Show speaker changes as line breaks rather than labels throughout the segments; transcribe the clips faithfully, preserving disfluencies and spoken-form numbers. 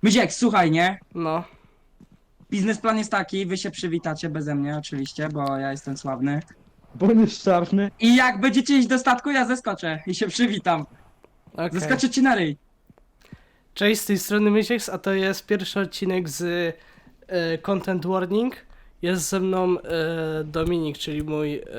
Myziek, słuchaj, nie?
No.
Biznesplan jest taki, wy się przywitacie beze mnie oczywiście, bo ja jestem sławny.
Bo on jest czarny.
I jak będziecie iść do statku, ja zeskoczę i się przywitam.
Okej.
Zeskoczę ci na ryj.
Cześć, z tej strony Mysieks, a to jest pierwszy odcinek z e, Content Warning. Jest ze mną e, Dominik, czyli mój e,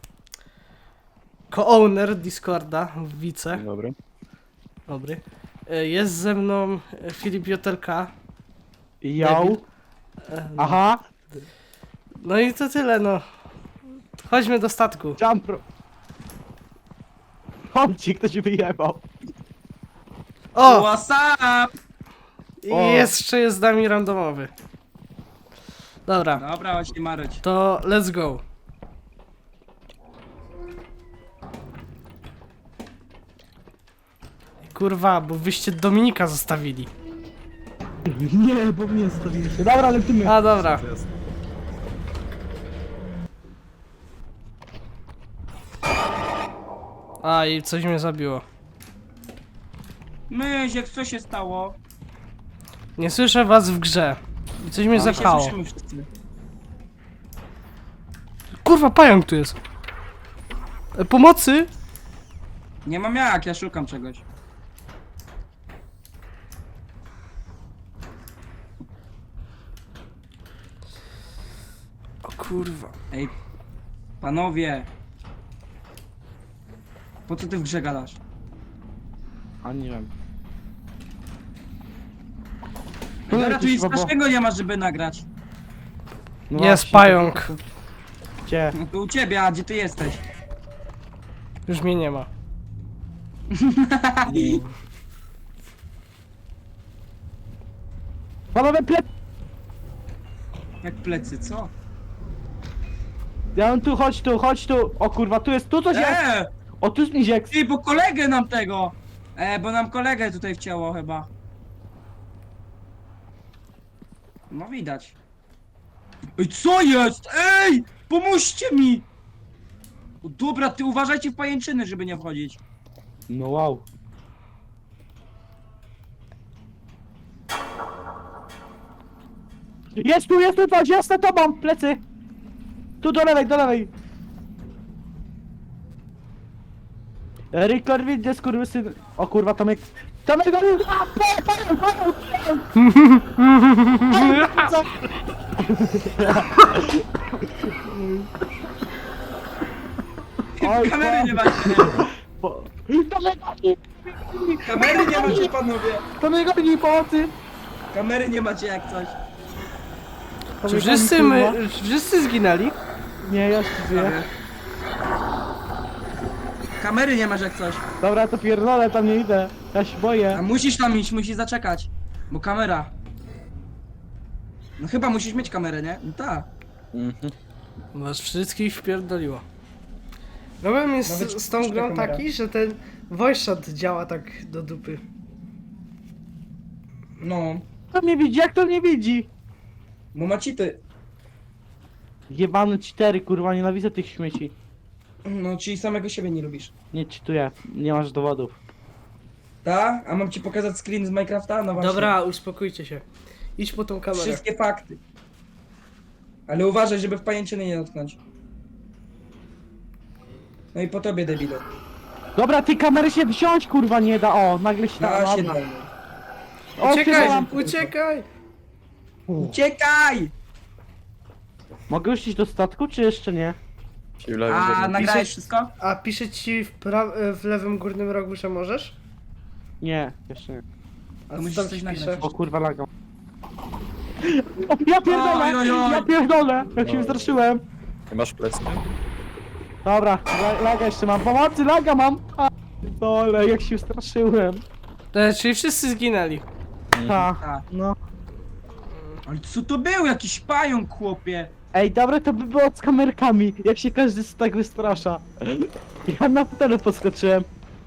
co-owner Discorda, wice.
Dobry.
Dobry. E, jest ze mną e, Filip Jotelka.
Jał.
Debil. E, no.
Aha.
no i to tyle, no. Chodźmy do statku.
Jumpro. Chodźcie, ktoś wyjebał.
O!
What's up?
I
O.
jeszcze jest z nami randomowy. Dobra,
Dobra, chodź nie maruć.
to let's go. Kurwa, bo wyście Dominika zostawili.
Nie, bo mnie stawiliście. Dobra, lecimy.
A dobra. A i coś mnie zabiło.
Myziek, co się stało?
Nie słyszę was w grze. I coś mnie
A my się
zepchało.
słyszymy wszyscy.
Kurwa, pająk tu jest. E, pomocy?
Nie mam jak, ja szukam czegoś.
O kurwa.
Ej, panowie. Po co ty w grze gadasz?
A nie wiem.
Ej, dobra, tu
jakiś
nic
babo-
strasznego nie ma, żeby nagrać.
No
Jest
właśnie,
pająk.
to- Gdzie?
No to u ciebie, a gdzie ty jesteś?
Już mnie nie ma.
Panowie, plec...
Jak plecy, co?
Ja mam tu, chodź tu, chodź tu. O kurwa, tu jest, tu coś jest.
Eee!
O, tu jest Miziek.
Ty, bo kolegę nam tego! E, bo nam kolegę tutaj wcięło chyba. No widać. Ej, co jest? Ej! Pomóżcie mi! O, dobra, ty uważajcie w pajęczyny, żeby nie wchodzić.
No wow. Jest tu, jest tu coś, jest za tobą, plecy. Tu do lewej, do lewej. Rickler widzę, skurwysyn. O kurwa, Tomek. Tomek, go... A, pa, pa, pa, pa. Co? Oj,
Kamery nie macie, nie?
po- Tomek, goni.
Kamery nie macie, panowie!
Tomek, goni, pomocy.
Kamery nie macie jak coś.
Czy
Tomek,
wszyscy
goni,
my,
kurwa.
czy wszyscy zginęli?
Nie, ja się żyję.
Kamery nie masz jak coś.
Dobra, to pierdolę, tam nie idę. Ja się
A
boję.
musisz tam iść, musisz zaczekać. Bo kamera. No chyba musisz mieć kamerę, nie? No tak.
Was wszystkich wpierdoliło. Problem jest
Nawet
z, z tą
puszcza
grą
kamera.
taki, że ten voice chat działa tak do dupy.
No.
Kto mnie widzi? Jak to mnie widzi?
Bo ma cheaty.
Jebany cztery, kurwa, nienawidzę tych śmieci.
No, czyli samego siebie nie lubisz.
Nie czytuję, nie masz dowodów.
Ta? A mam ci pokazać screen z Minecrafta? No właśnie.
Dobra, uspokójcie się. Idź po tą kamerę.
Wszystkie fakty. Ale uważaj, żeby w pajęczyny nie dotknąć. No i po tobie, debilu.
Dobra, tej kamery się wziąć, kurwa, nie da. O, nagle się da.
Na się
Dobra.
daj.
O,
Uciekaj,
pierdolam.
uciekaj!
Uciekaj!
Mogę już iść do statku, czy jeszcze nie?
A nagrałeś wszystko?
A pisze ci w, pra- w lewym górnym rogu, że możesz?
Nie, jeszcze nie.
A
To
co
musisz
tam
coś
ci
nagrać.
pisze?
O kurwa, lagam. O, ja pierdolę!
Oj, oj, oj.
Ja pierdolę! Jak się wystraszyłem.
Nie masz plecy?
Dobra, la- laga jeszcze mam. Pomocy, laga mam! A, dole, jak się wystraszyłem.
E, czyli wszyscy zginęli.
Ta,
Tak.
no.
Ale co to był? Jakiś pająk, chłopie.
Ej, dobre to by było z kamerkami, jak się każdy z tak wystrasza. Ja na fotelu podskoczyłem.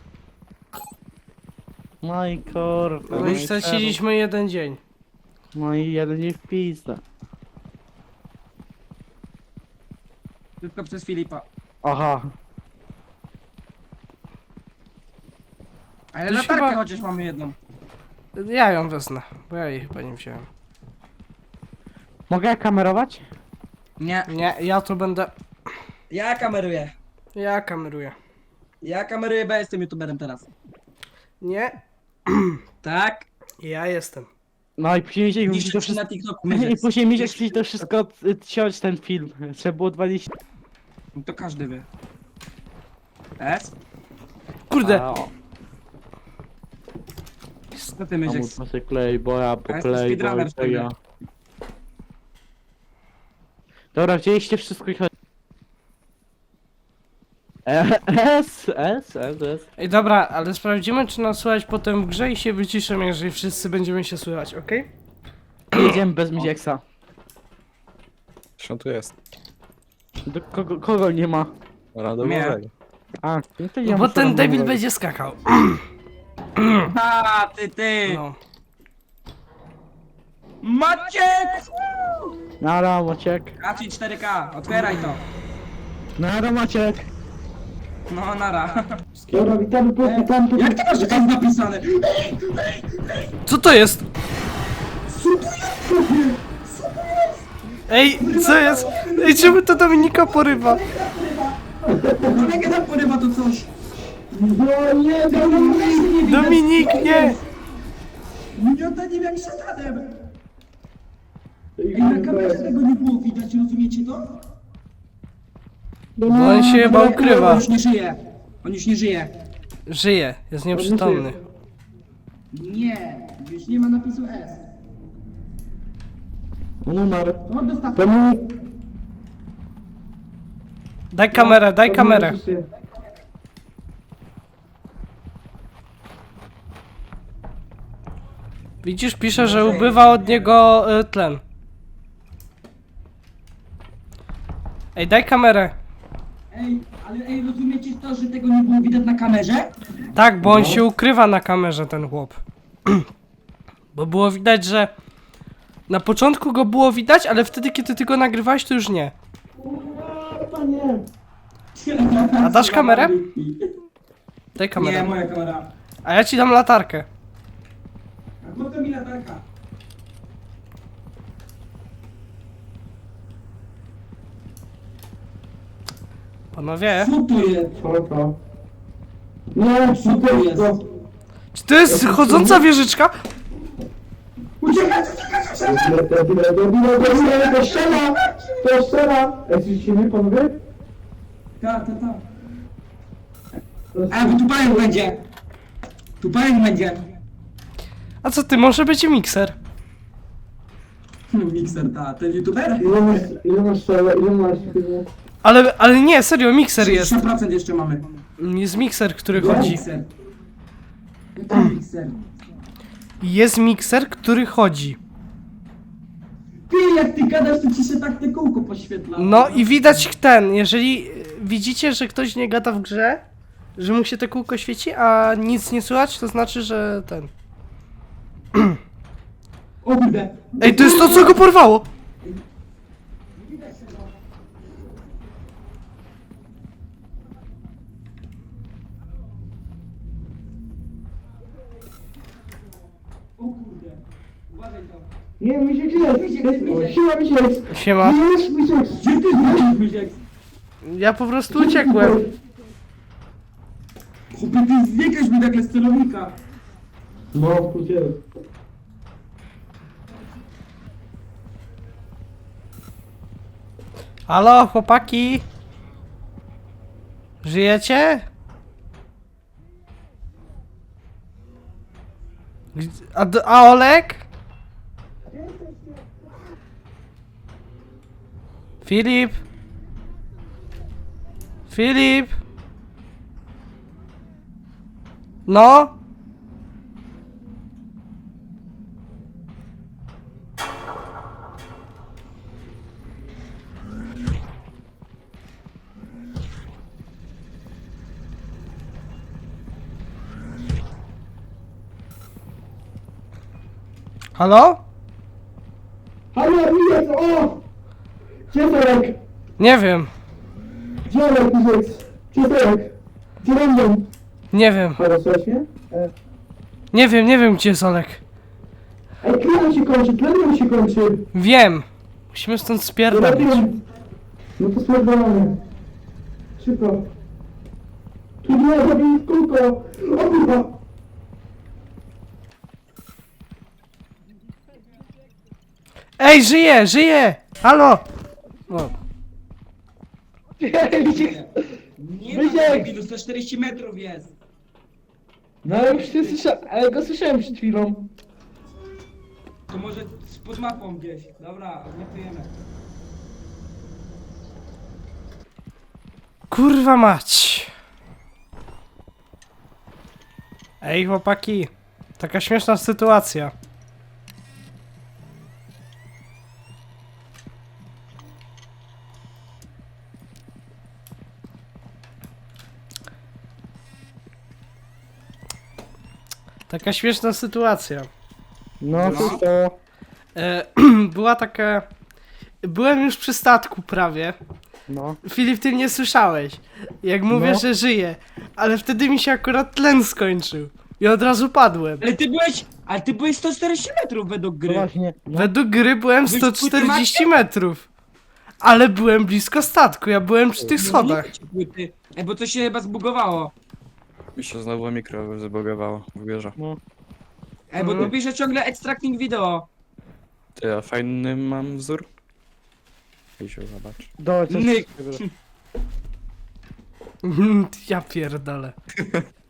No i kurwa.
No i straciliśmy jeden dzień.
No i jeden nie wpisał.
Tylko przez Filipa.
Aha.
Ale
To
latarkę
chyba-
chociaż mamy jedną.
Ja ją wezmę, bo ja jej chyba nie wziąłem.
Mogę ja kamerować?
Nie.
Nie, ja to będę...
Ja kameruję.
Ja kameruję.
Ja kameruję, bo ja jestem youtuberem teraz.
Nie,
Tak?
ja jestem.
No i później Misiek musi
Niszczę
to
ci
wszystko...
na TikToku.
I
Myziek.
później Misiek musi to wszystko y, ciąć ten film. Trzeba było dwadzieścia...
To każdy wie. S?
Kurde,
A, o.
Co ty Myziek?
Pomóż się klej, bo ja po
Ja jestem
klej, bo
speedrunner w
to
tym
ja. Dobra, wzięliście wszystko i chodź. E, S, S, S, S.
ej dobra, ale sprawdzimy czy nas słychać potem w grze i się wyciszę, jeżeli wszyscy będziemy się słychać, okej?
Jedziemy bez Misieksa.
Co tu jest?
Do kogo, kogo nie ma?
Randomowego.
A, no to
No
ja
bo
muszę
ten debil
randomować.
będzie skakał.
A, ty, ty!
No.
Maciek!
Nara, Maciek.
Kaci cztery K, otwieraj to.
Nara, Maciek.
No, nara.
Dobra, witamy, witamy.
Jak ty masz, że to jest napisane?
Co to jest? Ej, co jest? Ej, czemu to Dominika porywa?
Kolega tam porywa to coś.
No nie,
Dominik, nie!
Miniota nie wiem jak szatanem. Ej, na kamerze tego nie było widać, rozumiecie to?
Bo on się chyba ukrywa.
On już nie żyje. On już nie żyje.
Żyje, jest nieprzytomny.
Nie, już nie ma napisu S.
Numer.
No dostaw.
Daj kamerę, daj kamerę. Widzisz, pisze, że ubywa od niego y, tlen. Ej, daj kamerę.
Ej, ale ej, rozumiecie to, że tego nie było widać na kamerze?
Tak, bo on się ukrywa na kamerze, ten chłop. Bo było widać, że... Na początku go było widać, ale wtedy, kiedy ty go nagrywałeś, to już nie. A dasz kamerę? Daj
Nie,
kamerę.
moja kamera.
A ja ci dam latarkę.
A potem mi latarka.
Panowie,
Co to jest?
Nie,
Co to jest?
czy to jest chodząca wieżyczka?
Uciekaj!
To strzela! To strzela! Jesteście my, panowie?
Tak, tak, tak. A, bo tu pająk będzie. Tu pająk będzie.
A co ty, może być mikser?
Mikser, ta, ten youtuber?
Ile masz, ile masz strzela, ile masz...
Ale, ale nie, serio, mikser jest.
sześćdziesiąt procent jeszcze mamy.
Jest mikser, który
Gdzie
chodzi.
mikser? Jaki mikser?
Jest mikser, który chodzi.
Ty, jak ty gadasz, to ci się tak te kółko poświetla.
No i widać ten, jeżeli y, widzicie, że ktoś nie gada w grze, że mu się te kółko świeci, a nic nie słychać, to znaczy, że ten...
O kurde.
Ej, to jest to, co go porwało!
O kurde. Uważaj to.
Nie, mi się gdzie? Siła mi się...
Siema.
mi się...
Gdzie ty znalazłeś Myziek?
Ja po prostu uciekłem.
Chłopie, ty zbiegłeś mi nagle z celownika.
No, gdzie?
Halo, chłopaki? Żyjecie? Gdzie- A, d- a Olek? Filip? Filip? No? Halo?
Halo, Mijek, o! Gdzie Torek?
Nie wiem,
Gdzie Torek, Mijek? Gdzie Torek? Gdzie będą?
nie wiem.
Halo, słychać mnie?
Nie wiem, nie wiem gdzie jest Olek.
Ej, tlen się kończy, tlen się kończy.
Wiem. Musimy stąd spierdolić.
No to spierdolamy. Szybko. Tu nie, zabij w kółko. O kurwa.
Ej, żyje, żyje! Halo! O,
Nie ma
Wysiek!
debilu, sto czterdzieści metrów jest.
No ale już nie słyszałem, ale go słyszałem przed chwilą.
To może pod mapą gdzieś. Dobra, odlatujemy.
kurwa mać! Ej, chłopaki. Taka śmieszna sytuacja. Taka śmieszna sytuacja.
No,
No.
to to.
E, była taka... Byłem już przy statku prawie.
No.
Filip, ty mnie słyszałeś. Jak mówię,
No.
że żyję. Ale wtedy mi się akurat tlen skończył. I od razu padłem.
Ale ty byłeś, ale ty byłeś sto czterdzieści metrów według
No
gry.
właśnie. No.
Według gry byłem
Byłeś
sto czterdzieści metrów. Ale byłem blisko statku, ja byłem przy tych
No,
schodach.
nie wiem, czy płyty. Ej, bo to się chyba zbugowało.
Mi się znowu mikro zbugowało w biurze.
No.
Ej, bo tu
Mhm.
pisze ciągle extracting video.
Ty, ja fajny mam wzór? I się zobacz.
Dawaj, coś.
Nyk.
Ja pierdolę.